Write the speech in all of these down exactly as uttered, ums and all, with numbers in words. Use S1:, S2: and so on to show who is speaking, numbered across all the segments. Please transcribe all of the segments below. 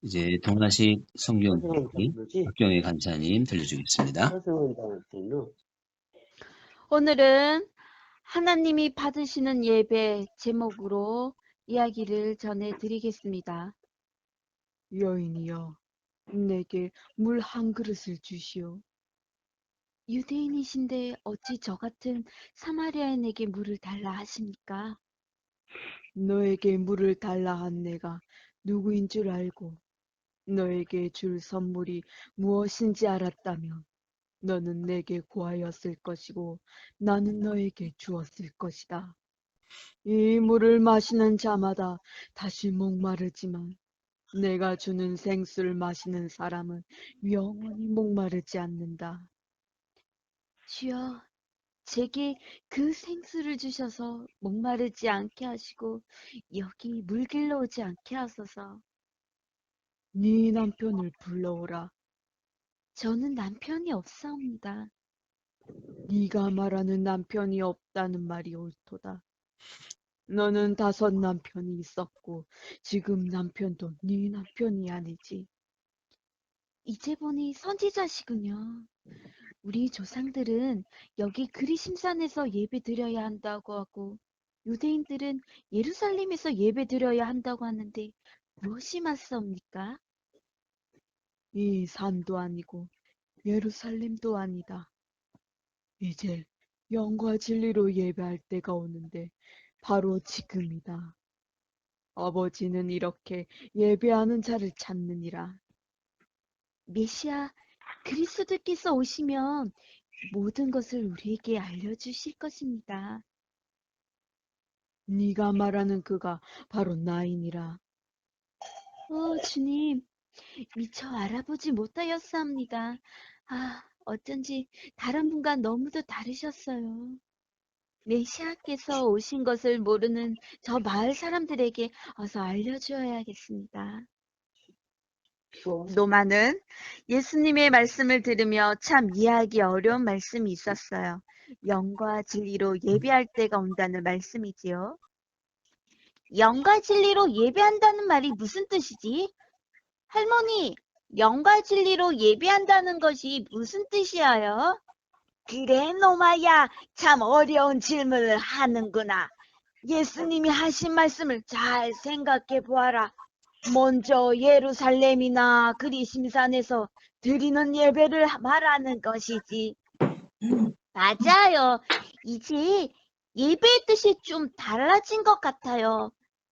S1: 이제 동아식 성경
S2: 서승원
S1: 읽기
S2: 장로지?
S1: 박경혜 간사님 들려주겠습니다.
S2: 서승원 장로.
S3: 오늘은 하나님이 받으시는 예배 제목으로 이야기를 전해드리겠습니다. 여인이여, 내게 물 한 그릇을 주시오. 유대인이신데 어찌 저 같은 사마리아인에게 물을 달라 하십니까? 너에게 물을 달라 한 내가 누구인 줄 알고 너에게 줄 선물이 무엇인지 알았다면 너는 내게 구하였을 것이고 나는 너에게 주었을 것이다. 이 물을 마시는 자마다 다시 목마르지만 내가 주는 생수를 마시는 사람은 영원히 목마르지 않는다. 주여, 제게 그 생수를 주셔서 목마르지 않게 하시고 여기 물길로 오지 않게 하소서. 네 남편을 불러오라. 저는 남편이 없사옵니다. 네가 말하는 남편이 없다는 말이 옳도다. 너는 다섯 남편이 있었고 지금 남편도 네 남편이 아니지. 이제 보니 선지자시군요. 우리 조상들은 여기 그리심산에서 예배 드려야 한다고 하고 유대인들은 예루살렘에서 예배 드려야 한다고 하는데 무엇이 맞사옵니까? 이 산도 아니고 예루살렘도 아니다. 이제 영과 진리로 예배할 때가 오는데 바로 지금이다. 아버지는 이렇게 예배하는 자를 찾느니라. 메시아 그리스도께서 오시면 모든 것을 우리에게 알려주실 것입니다. 네가 말하는 그가 바로 나이니라. 어, 주님, 미처 알아보지 못하였사옵니다. 아, 어쩐지 다른 분과 너무도 다르셨어요. 메시아께서 오신 것을 모르는 저 마을 사람들에게 어서 알려주어야겠습니다. 노마는 예수님의 말씀을 들으며 참 이해하기 어려운 말씀이 있었어요. 영과 진리로 예배할 때가 온다는 말씀이지요. 영과 진리로 예배한다는 말이 무슨 뜻이지? 할머니, 영과 진리로 예배한다는 것이 무슨 뜻이에요? 그래, 노마야, 참 어려운 질문을 하는구나. 예수님이 하신 말씀을 잘 생각해 보아라. 먼저 예루살렘이나 그리심산에서 드리는 예배를 말하는 것이지. 맞아요. 이제 예배의 뜻이 좀 달라진 것 같아요.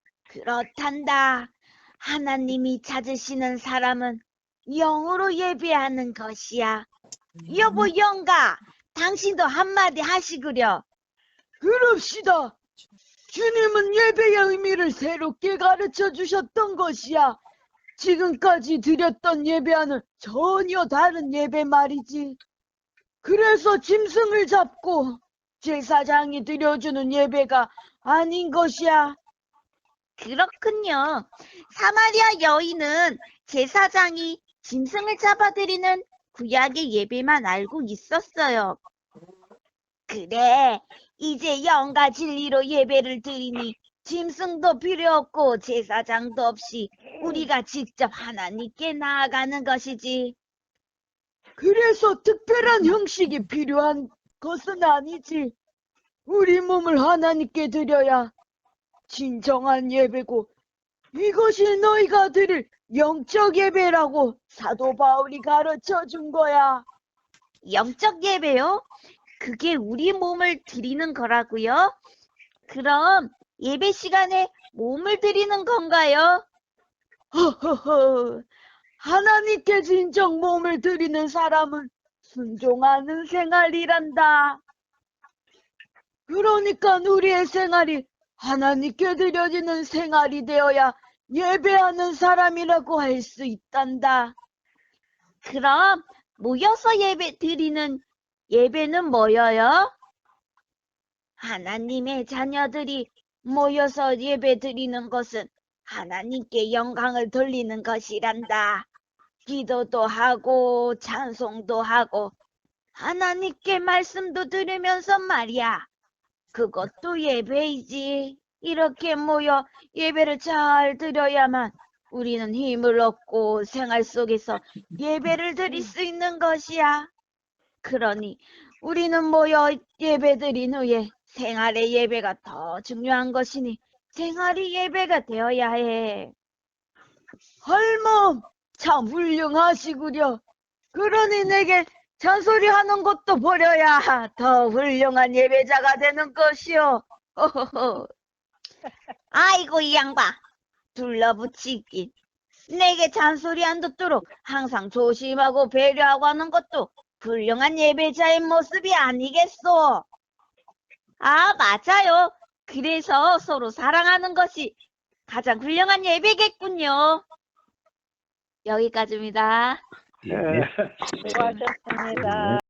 S3: 그렇단다. 하나님이 찾으시는 사람은 영으로 예배하는 것이야. 여보 영가, 당신도 한마디 하시구려. 그럽시다. 주님은 예배의 의미를 새롭게 가르쳐 주셨던 것이야. 지금까지 드렸던 예배와는 전혀 다른 예배 말이지. 그래서 짐승을 잡고 제사장이 드려주는 예배가 아닌 것이야. 그렇군요. 사마리아 여인은 제사장이 짐승을 잡아드리는 구약의 예배만 알고 있었어요. 그래, 이제 영과 진리로 예배를 드리니 짐승도 필요 없고 제사장도 없이 우리가 직접 하나님께 나아가는 것이지. 그래서 특별한 형식이 필요한 것은 아니지. 우리 몸을 하나님께 드려야 진정한 예배고 이것이 너희가 드릴 영적 예배라고 사도 바울이 가르쳐 준 거야. 영적 예배요? 그게 우리 몸을 드리는 거라고요? 그럼 예배 시간에 몸을 드리는 건가요? 허허허, 하나님께 진정 몸을 드리는 사람은 순종하는 생활이란다. 그러니까 우리의 생활이 하나님께 드려지는 생활이 되어야 예배하는 사람이라고 할 수 있단다. 그럼 모여서 예배 드리는 예배는 뭐예요? 하나님의 자녀들이 모여서 예배 드리는 것은 하나님께 영광을 돌리는 것이란다. 기도도 하고 찬송도 하고 하나님께 말씀도 들으면서 말이야. 그것도 예배이지. 이렇게 모여 예배를 잘 드려야만 우리는 힘을 얻고 생활 속에서 예배를 드릴 수 있는 것이야. 그러니 우리는 모여 예배드린 후에 생활의 예배가 더 중요한 것이니 생활이 예배가 되어야 해. 할멈, 참 훌륭하시구려. 그러니 내게 잔소리하는 것도 버려야 더 훌륭한 예배자가 되는 것이오. 호호호. 아이고 이 양반, 둘러붙이긴. 내게 잔소리 안 듣도록 항상 조심하고 배려하고 하는 것도 훌륭한 예배자의 모습이 아니겠소. 아, 맞아요. 그래서 서로 사랑하는 것이 가장 훌륭한 예배겠군요. 여기까지입니다.
S1: 예.
S2: 네, 수고하셨습니다.